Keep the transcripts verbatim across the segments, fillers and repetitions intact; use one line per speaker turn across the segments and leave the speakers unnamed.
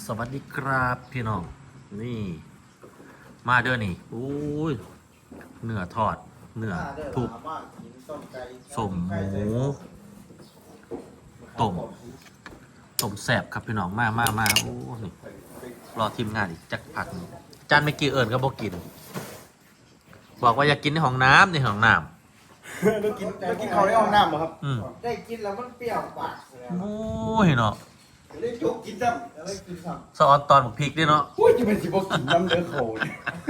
วัสดีครับพี่น้องนี่ มาเด้อนี่โอ้ยเนื้อทอดเนื้อทุบสมหมูต้มต้มแซ่บครับพี่น้องมามามาโอ้นี่รอทีมงานอีกจักผักหนึ่งจานไม่กี่เอิญก็บอกกิน บอกว่าอยากกินในห้องน้ำในห้องน้ำ
เรากินเรากินเขาในห้องน้ำเหรอครับ
ได้กินแล้วมันเปรี้ยวปากเลย
โอ้ยเนาะ
ได้จกกินซ้ำได้กินซ้
ำซอสตอนบักพริกด้วยเนาะ
โอ้ยจะเป็นสิบกินน้ำเดือดโขน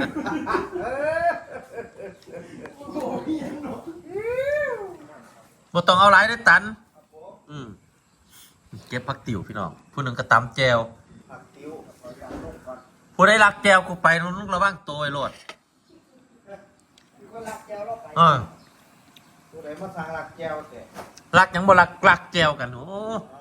บ่ต้องเอาไรได้ตันอืมเก็บผักติ๋วพี่น้องผู้หนึ่งก็ตำแจวผู้ได้รักแจวกูไปนุ่งระว่างตัวไอ้โลดเออ
ผู้ใดมาสั่งหลักแก้วแต่
รักยังบ่รักรักแจวกันโอ้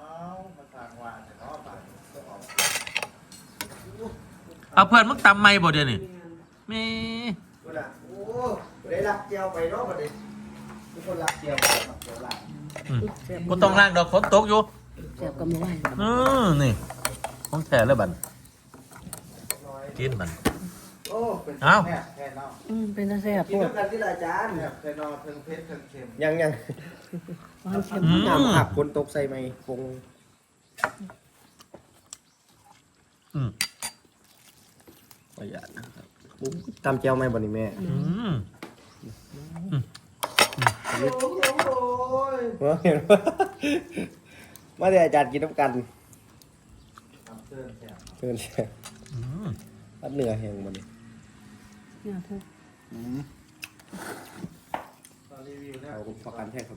เอาเพื่อนมึงตำไม่บ่เดี๋ยวนี้มี
ผู้ใดโอ้ผู้ใดหลักแก้วไปเนาะผู้ใดทุกคนหลักแก้วหลักแก้วหลัก
กูต้องล้างดอกฝนตกอยู่
แซ่บกับมื้อวาน
อือนี่ของแท้เลยบัดกินบัด
โอ้เป็นแท้แท้เนาะ
อืมเป็นตาแซ่บ
กินด้วยกันที่อาจารย์เนี่ยแท้เนาะเพิ่งเผ็ดเพิ่งเค็ม
ยังยัง
หวานเค็ม
น้ำผักคนตกใส่ไหมคง
อืมประหยัดนะครับ
ตำเจียวไหมบ่นี่แม่
อืม
โอ้ย
เห็นว่ามาเดี๋ยวอาจารย์กินน้ำกัน
เชิญแซ่บ
เชิญแซ่บอัดเนื้อแห้งบ่นี่
เนี่ยเธอ
รีวิวเนี่ย
เอาประกันให้ครับ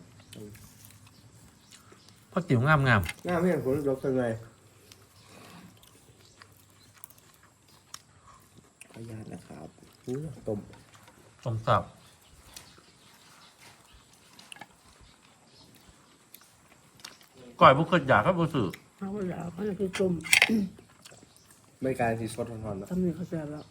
ผักติ๋วงามงาม
งามไม่เห็นผลลบยังไงขยันนะครับต้ม
ต้มสับก่อยบุกเคยอยากครับบุษือ
เอาแล้วเขาจะคือต้ม
ไม่การที่สดร้อนๆแล้ว
ทำนี่เขาแซ่บแล้ว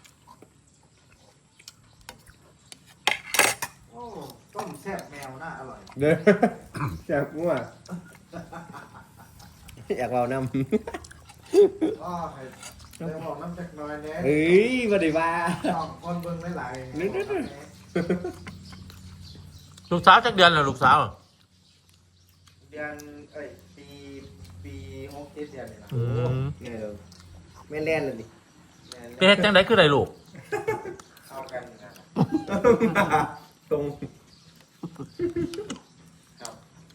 โอ้ต้มแซ่บแมวน่าอร่อย
เด้อแซ่บมั่วอยากเราน้
ำอ๋อเดี๋ยวบอกน้ำจักน้อยเนี่ย
เฮ้ยมาดิบ้า
สองคนเบิ่งไม่ไหล
นี่นี่
ลูกสาวจักเดือนเหรอลูกสาว
เดือนเอ้ยปีปีหกเจ็ดเดือนนี่นะ
เนี่ยแม่เล่นเลยดิ
เป็นจังไดคือไรลูก
เข้ากันนะ
ตรง
ครับ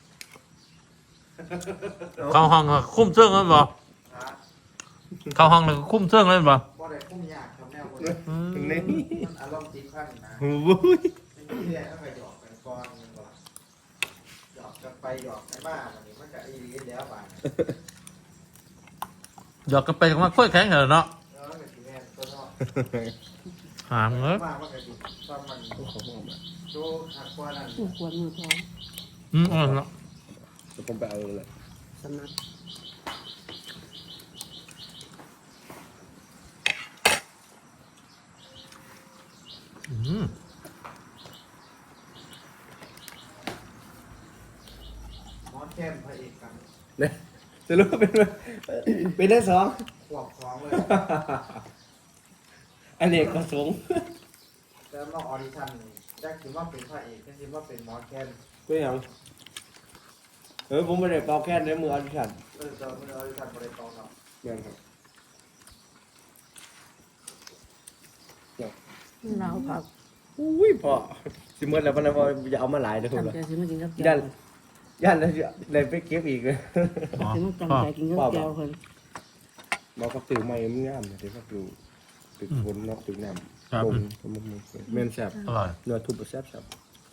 เข้าห้องคุ้มเสื่องเลยบ่เข้าห้องเลยคุ้มเสื่องเลยบ่
บ่ได้คุ้มยากครับแนวคน
นี้
มันอารมณ์ติดพันนะ
โอ้ย
นี่แหละต้องไปหยอกกันก่อนมันบ่หยอกกันไปหยอกกันมาวันนี้มันก็อีรีแล้วบาด
หยอกกันไปกันมาค่อยแข็งเหรอเนาะ
เออเป็นสิแม่ตัวเนาะ
หามเอ้ย
ว่ามันก็สิตอนมันโตหักกว่านั้น
ขวดมือท้อง
อืมเออเนาะ
จะผมไปเอาเลย
สำนัก
อืม
หมอแก้มพระเอกกัน
เนี่ยจะรู้เป็นเป็นได้สอง
ขวบสองเลย
อันนี้ก็สูง
แล้วมาออดิชั่นแจ็คคิดว่าเป็นพระเอกแจ็คคิดว่าเป็นหมอแก้ม
ก็ยังเออผมไม่ได้เป่าแค่ในมืออดิชั่น
เออจะมือออดิชั่นบริตองครับ
ยังครับ
เราผัก
อุ้ยพอสิเมื่อแล้วพนักงานจะเอามาหลายเลยคุณ
จำใจสิมากินกับแก้
วยันยันเลยไปเก็บอีกเลย
สิมาจำใจกินกับแก้วคน
บอกก็ตื่นมาเอ็มงามเลยก็ตื่นตื่นฝนนอกตื่นน้ำลงเมนแซ่บ
อร่อย
เนื้อทุบแซ่บแซ่บ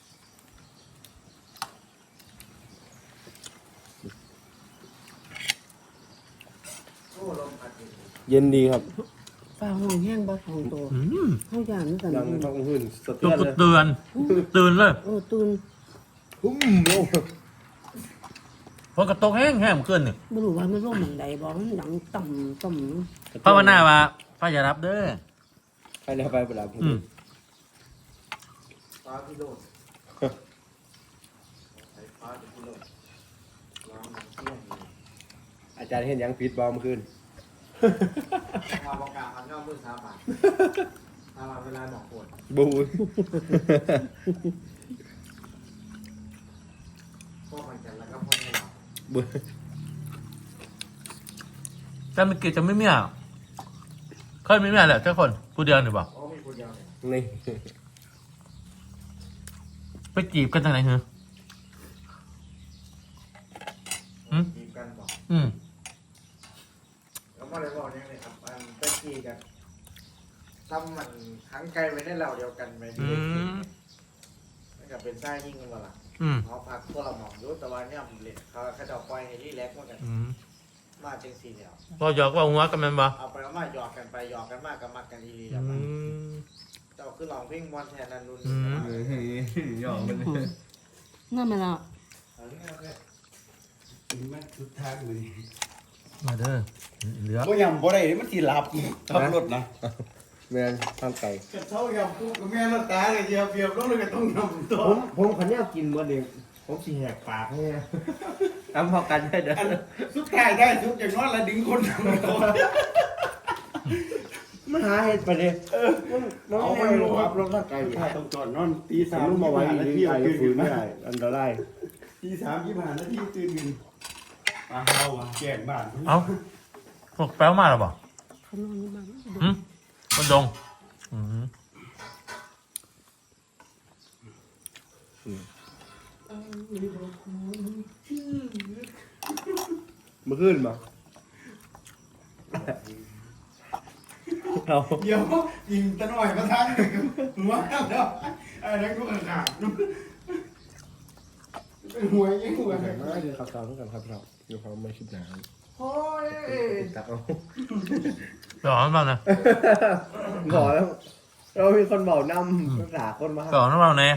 เย็นดีครับ
ฟ้าห้องแห้งบ่ของโตห้องยานนี่กัน
ดังท้องขึ้นสะเ
ตือนเตือนตื่นเลย
โอ้ตื่น
หุ้มโอ้
พอกระตกแห้งแห้งขึ้นนี่
บ่รู้ว่ามันร่มหม่องใดบ่มันดังต่ำต่ำ
ภาวนาว่าฟ้าอย่ารับเด้อ
ใครได้ไปเวลาผม
ฟ้าพิโรธฟ้าพิโรธร้องเที่ยง
อาจารย์เห็นยังฟีดบอมขึ้น
เอาประกาศทำยอดมือสามบาทเอาเวลาบอกปวด
บู
พวกมันกันแล้วก็พวกนี้หรอ
บู
แต่เมื่อกี้จะไม่มีอ่ะเคยไม่มีอ่ะแหละเจ้าคนผู้เดียวหรือเปล่า
โอ้มีคนเดียวเนี่ย
นี่
ไปจีบกันทางไหนเหรอ หืม
จีบกันบอก
อืม
แล้วมาเลยบอกยังไงครับอันตะกี้กันซ้ำมันขังไกลไว้ในเราเดียวกันไป
อืม
นั่นก็เป็นไส้ยิ่งกันมาละ
อืม
เขาพักพวกเราหมองรู้แต่ว่าเนี่ยผมเล่นเขาเขาจะปล่อยให้รีแลกซ์เหมือนกัน
อืม
มาจังสี่เดียว
พอหยอกว่าหัวกันแมันบ่
เอาไปเอามาหยอกกันไปหยอกกันมากกันมักกันดีๆ
อื
แล้วมัน
ม
เจ้าคือลองเพลงบอลแทนนันนุน
อืม
ยอมมัน
นั่นมันละ
มันทุกทางเลย
มาเด้อเหลือ
ก็ยำบ่ได้มันสิหลับขับรถนะ
แม่นทางไก่
กระเช้ายำกูกับแม่รถตาเลยเดียวเบียบลงเลยก็ต้องยำต่อ
ผมผมขันนี้กินเมื่อเดียวผมสีแหกปากให้ทำพอกันได้เด้อ
อันสุดท้ายได้สุดอย่างน้อยละดึงคนทำก่อน
มันหาเห็ดไปเลยมัน
เอา
เอา
ไป
ไป
ล
ล
ง
ง
ค
ค
รั
รั
บบ ล
ล
ง
ง
ร่า
ร่าง ง
กาก
าย ย
ถ้าต้องจอดนอนตีสา
สาม ม
ยี่
มา
สิบ
ไว้
ห้านาที
ที่ไอ้
ตื่น
ฝื
ขึ้
น
น
ไม่
มา
ได้อันตราย
ตีสามยี่สิบห้านาทีตื่นขึ้นมาเฮาอ่ะแก่บ้าน
เอ้าพวกแป๊วมาหรอบ่
เขานอนอยู่บ้าน
หืมมันดงอืม
เมื่อคืนมาเอา
เดี๋ยวยิงตะหน่อยมาทางหัวแล้วไอ้นั่นก็ขาดเป็นหัวยังหัว
แต่มาคือข่าวสารกันครับเราอยู่ความไม่คิดหนา
โอ้ย
ตักเอา
ไปออกน้ำมันนะ
บอกแล้วเรามีคนบอกนำภาษาคนมา
ไปออกน้ำมันแน่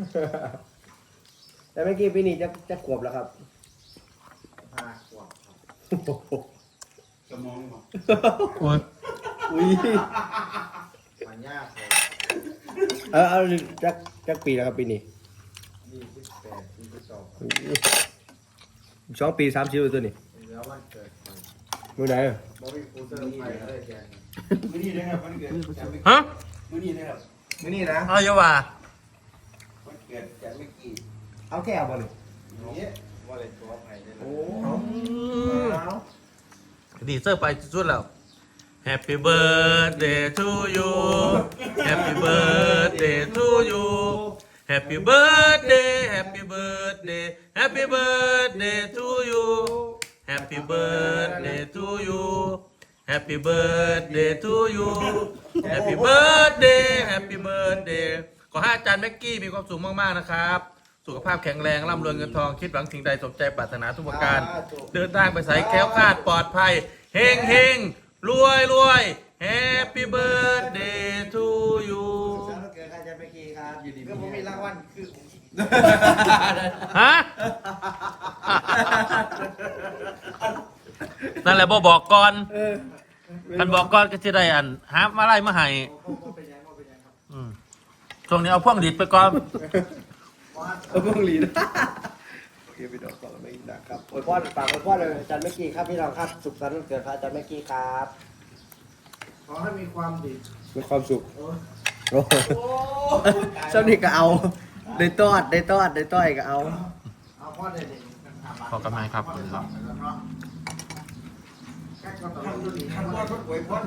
แต่เมื่อกี้ปีนี้จะจะขวบแล้วครับ
ห้าขวบครับ
สมองบอก
อุ้ย
อุ้ย
มันยากเลย
เออเอาจักจักปีแล้วครับปีนี้
ยี่สิบแปดยี่สิบสอง
สองปีสามสิบตัวนี่
แล้ววันเกิดมัน
มือไหน
บอวี่คูเซอร์ไปเลยแกน
มื้อนี้นะครับวันเกิด
ฮะ
มื้อนี้นะครับ
มือนี่นะ
เอาเยาว่า
วันเกิดแกไม่กี่
เอาแก้วบ่นี่
นี้ว่าเลยตัวไผ่ได้เลย
โอ้
เอา ดีเซอร์ไปสุดแล้ว Happy birthday to you Happy birthday to you Happy birthday Happy birthday Happy birthday to you Happy birthday to you Happy birthday to you Happy birthday Happy birthday ขอให้อาจารย์แม็กกี้มีความสุขมากๆนะครับ สุขภาพแข็งแรงร่ำรวยเงินทองคิดหวังสิ่งใดสมใจปรารถนาทุกประการ เดินทางไปใส่แคล้วคลาดปลอดภัยเฮงเฮงรวยรวย Happy birthday to you
วันเกิดใครจะไปกี่ครับอยู่ดีก็ผมมีรางวัลคือ
ฮะ นั่นแหละบอบอกก่อนคันบอกก่อนก็จะได้อันหามาไล่มาให้
ผมเป็นยังผมเป็นยังครับ
อืมช่วงนี้เอาพ่วงดิดไปก่อน
เอาพวงหลีดโอเคไปดอกก่อนไม่ดักครับโอ้ยพ่อฝากโอ้ยพ่อเลยอาจารย์เมื่อกี้ครับพี่น้องครับสุขสันต์วันเกิดพระอาจารย์เมื่อกี้ครับ
ขอให้มีความดี
มีความสุขโอ้สนิทก็เอาได้ตอดได้ตอดได้ต้อยก็เอา
เอาพ่อเด็กๆ
ขอกำลังครับ
พ่อเด็กๆแล้วเนาะแค่ก็ต้องดูดี
ท่านว่าก็ป่วยพ้น